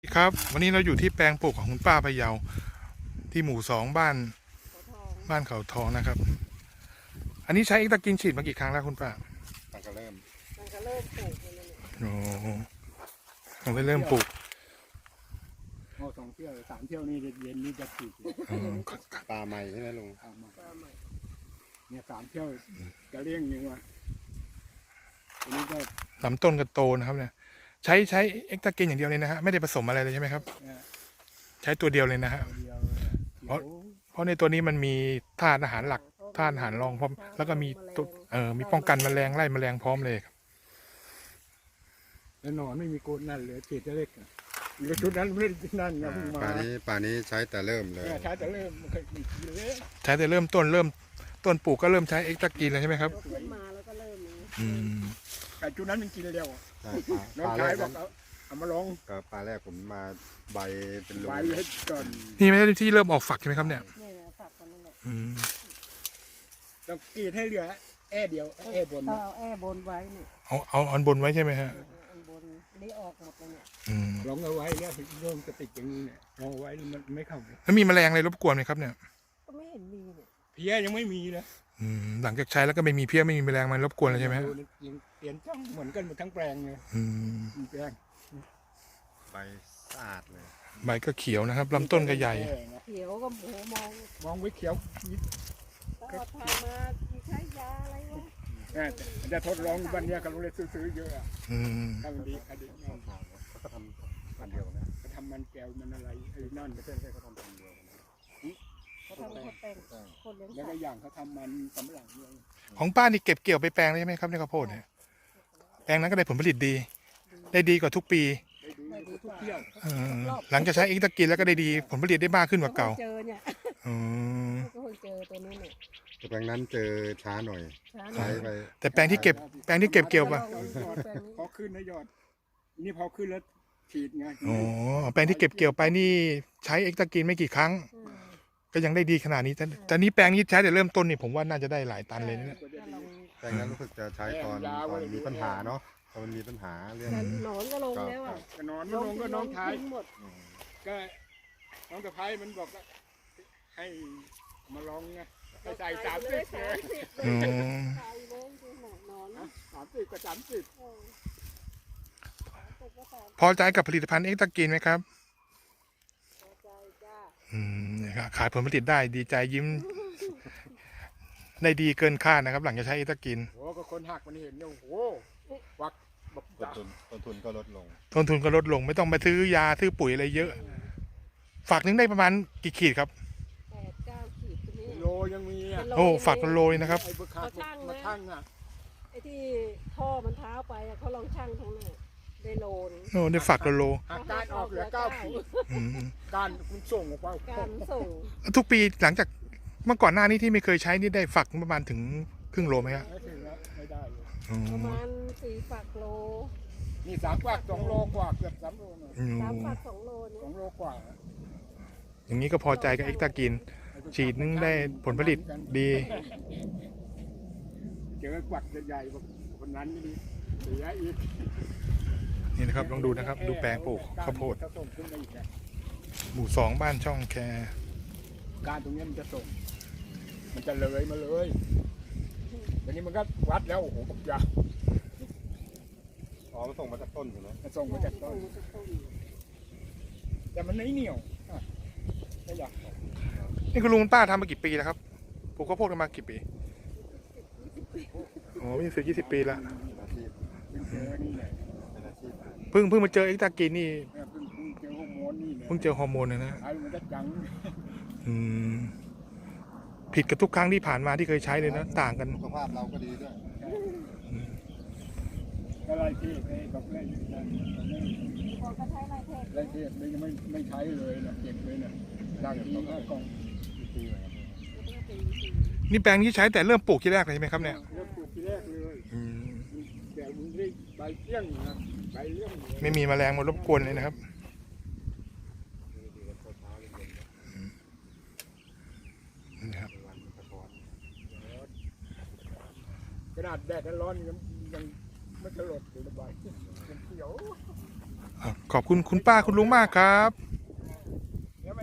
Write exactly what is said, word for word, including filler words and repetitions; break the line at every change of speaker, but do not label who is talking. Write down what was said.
ครับวันนี้เราอยู่ที่แปลงปลูกของคุณป้าพะเยาที่หมู่สองบ้านบ้านเขาทองนะครับอันนี้ใช้เอ็กตากินฉีดมากี่ครั้งแล้วคุณป้า
มันก็เริ่ม
มันก็เริ่มปลูกเลย
โอ้ผมไปเริ่มปลูก
โอ้สองเที่ยวสามเที่ยวนี่เย็นนี่จะฉีดปลาใหม่ใช่ไหมลุงเนี่ยสามเที่ยวจะเลี้ยงยังวะอันนี้ก็
ลำต้นก็โตนะครับเนี่ยใช้ใช้เอ็กตากินอย่างเดียวเลยนะฮะไม่ได้ผสมอะไรเลยใช่ไหมครับใช้ตัวเดียวเลยนะฮะเพราะเพราะในตัวนี้มันมีธาตุอาหารหลักธาตุอาหารรองพร้อมแล้วก็มีตัวเอ่อมีป้องกันแมลงไล่แมลงพร้อมเลยครับ
แล้วนอนไม่มีโกนนั่นเลยฉีดจะเล็กแล้วชุดนั้นไม่ได้นั่นนะป่านี้ป่านี้ใช้แต่เริ่มเลยใช้แต่เริ่ม
ใช้แต่เริ่มต้นเริ่มต้นปลูกก็เริ่มใช้เอ็กตากินแล้วใช่ไหมครับ
ขึ้นมาแล้วก็เริ่ม
อืม
แต่ชุดนั้นมันกินเร็วน้องชายบอกเอามาลองกับปลาแรกผมมาใบเป็นรูใบให้ก่อน
นี่ไม่ใช่ที่เริ่มออกฝักใช่ไหมครับเนี่ย
ฝักนั่นแหละ
ต้องกรีดให้เหลือแอ่เดียวแอ่บน
เอาแอ่บนไว้เนี่ย
เอาเอาอันบนไว้ใช่ไหมฮะ
อันบนนี่ออกหมดเลยเนี่ย
ลองเอาไว้เนี่ยเริ่มจะติดอย่างนี้เนี่ยลองเอาไว้มันไม่เข้า
แล้วมีแมลงอะไรรบกวนไหมครับเนี่ย
ก็ไม่เห็นมีเนี่ย
เพี้ยยังไม่มีนะ
หลังจากใช้แล้วก็ไม่มีเพี้ยไม่มีแมลงมันรบกวนเลยใช่ไหม
ยังเปลี่ยนช่องเหมือนกันหมดทั้งแปลงเลยแปลงใบสะอาดเลย
ใบก็เขียวนะครับลำต้นก็ใหญ่
เขียวก็โหมอง
มองไว้เขียว
ก็ทำมาใช้ยาอะไรวะ
จะทดลองวันนี้กับโรงเรียนซื้อเยอะอ่ะทำดีคดีเขาทำมันเดียวนะเขาทำมันแก้วมันอะไรไอ้นั่นก็ใช่เขาทำมันเดียว
เขาทำเขาแต่งคนเลี้ยง
แล้วก็อย่างเขาทำมันสำหรับเ
นี่ยของป้านี่เก็บเกี่ยวไปแปลงใช่ไหมครับในข้าวโพดเนี่ยแปลงนั้นก็ได้ผลผลิตดีได้ดีกว่าทุกปีหลังจากใช้เอ็กตากินแล้วก็ได้ดีผลผลิตได้มากขึ้นกว่าเก่า
เจอเนี่ยก็เจอตัวนี้เนี่ย
แปลงนั้นเจอช้าหน่อยใช้ไป
แต่แปลงที่เก็บแปลงที่เก็บเกี่ยวป่ะ
พอขึ้นนะยอดนี่พอขึ้นแล้วฉีดไง
อ๋อแปลงที่เก็บเกี่ยวไปนี่ใช้เอ็กตากินไม่กี่ครั้งก็ยังได้ดีขนาดนี้แต่แต่นี้แปลงนี้ใช้แต่เริ่มต้นนี่ผมว่าน่าจะได้หลายตันเลยเนี่ย
แปลงนั้นรู้สึกจะใช้ตอนตอนมีปัญหาเนาะตอนมีปัญหาเรื่อง
หนอนก็ลงแล้วอ่ะ
หนอนลงก็น้องชายก็น้องตะไคร้มันบอกให้มาลองไงใส่สามสิบเลยสามสิบกับสามสิบ
พอใจกับผลิตภัณฑ์เอ็กตากินไหมครับอืมขายผลผลิตได้ดีใจยิ้มได้ดีเกินคาดนะครับหลังจากใช้เอ็กตากิน
โอ้ก็คนหักมันเห็นเนี่ยโอ้วักต้นทุนต้นทุนก็ลดลง
ต้นทุนก็ลดลงไม่ต้องไปซื้อยาซื้อปุ๋ยอะไรเยอะฝักนึงได้ประมาณกี่ขีดครับ
แปดเก้าขีด
โลยังมีอ่ะ
โอ้ฝักเป็นโลเลยนะครับ
มาชั่งนะไอ้ที่ท่อมันเท้าไปเขาลองชั่งทั้งนั้นได้โลนึง
โอ้ได้ฝักโล
การออกเหลือเก้าขีดการส่งออกไป
การส่ง
ทุกปีหลังจากเมื่อก่อนหน้านี้ที่ไม่เคยใช้นี่ได้ฝักประมาณถึงครึ่งโลไหมครับ
ไม่ได้
ประมาณสี่ฝักโล
นี่สามฝักสองโลกว่าเกือบสามโล
สามฝักสองโล
สองโลกว่า
อย่างนี้ก็พอใจกับเอ็กตากินฉีดนึงได้ผลผลิตดี
เจอกวักใหญ่ๆคนนั้นนี่เสียอีก
นี่นะครับลองดูนะครับดูแปลงปลูกข้าวโพดหมู่สองบ้านช่องแค
การตรงนี้มันจะส่งมันจะเลยมาเลยทีนี้มันก็วัดแล้วโอ้โหปักยาอ๋อมันส่งมาจากต้นถูกไหมมันส่งมาจากต้นแต่มันไม่เหนียวไม่อยาก
นี่คุณลุงป้าทำมากี่ปีแล้วครับปลูกข้าวโพดกันมากี่ปีอ๋อยี่สิบยี่สิบปีละเพิ่งเพิ่งมาเจอเอ็กตากินนี่เพิ่งเจอฮอร์โมนนะนะอืมผิดกับทุกครั้งที่ผ่านมาที่เคยใช้เลยนะต่างกัน
สุขภาพเราก็ดีด้วยอะไรที่ไอ้ดอกเล่นไรเทศไม่ไม่ไม่ใช้เลยนะเก็บเลยนะดังที่ห้ากอง
นี่แปลงที่ใช้แต่เริ่มปลูกที่แรกเลยใช่ไหมครับเนี่ย
เริ่มปลูกที่แรกเลยแต่มันได้ใบเลี้ยงนะใบเลี้ยง
ไม่มีแมลงมารบกวนเลยนะครับนะครับ
ขนาดแดดร้อนยังยังไม่กระโดดอยู่ระบายเขียว
ขอบคุณคุณป้าคุณลุงมากครับ